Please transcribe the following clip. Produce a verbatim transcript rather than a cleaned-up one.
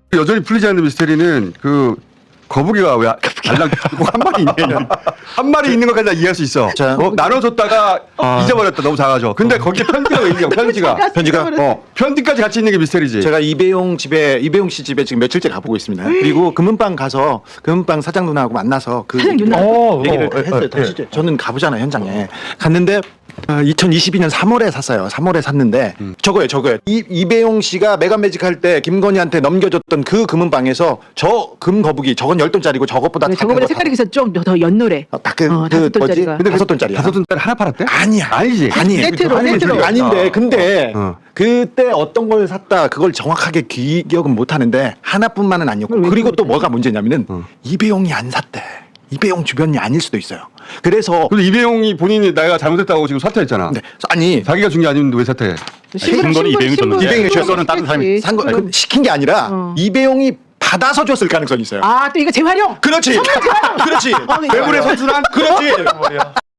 여전히 풀리지 않는 미스테리는 그 거북이가 왜 알랑 한 마리 있냐. 한 마리 있는 것까지 다 이해할 수 있어. 자, 어, 나눠줬다가 아. 잊어버렸다. 너무 작아져. 근데 거기에 편지가 왜 있냐. 편지가. 편지가 어, 편지까지 같이 있는 게 미스테리지. 제가 이배용 집에 이배용 씨 집에 지금 며칠째 가보고 있습니다. 그리고 금은방 가서 금은방 사장 누나하고 만나서 그 사장 누나? 어, 얘기를 어, 했어요. 예, 다시 저는 가보잖아요 현장에. 갔는데 어, 이천이십이 년 삼월에 샀어요. 삼월에 샀는데 음. 저거예요, 저거예요. 이, 이배용 씨가 메가매직 할 때 김건희한테 넘겨줬던 그 금은방에서 저 금거북이 저건 열 돈짜리고 저것보다 네, 작은 저거보다 거 색깔이 그래서 좀 더 연노래. 다- 딱 그, 어, 그 다섯 뭐지? 돈짜리가. 근데 다섯 돈짜리야. 다섯 돈짜리 하나 팔았대? 아니야. 아니지. 아니에요. 세트로, 아니, 세트로. 소리야. 아닌데 근데 어. 그때 어떤 걸 샀다 그걸 정확하게 기억은 못 하는데 하나뿐만은 아니었고 그걸 왜 그리고 또 기억을 뭐가 문제냐면은 어. 이배용이 안 샀대. 이배용 주변이 아닐 수도 있어요. 그래서 근데 이배용이 본인이 내가 잘못했다고 지금 사퇴했잖아. 네. 아니 자기가 준 게 아닌데 왜 사퇴해? 신분, 거는 이배용이 줬는데 이배용이 줬어. 그거는 다른 사람이 산 거, 그 시킨 게 아니라 어. 이배용이 받아서 줬을 가능성이 있어요. 아, 또 이거 재활용. 그렇지. 그렇지. 어, 이거 외국의 선수란 그렇지.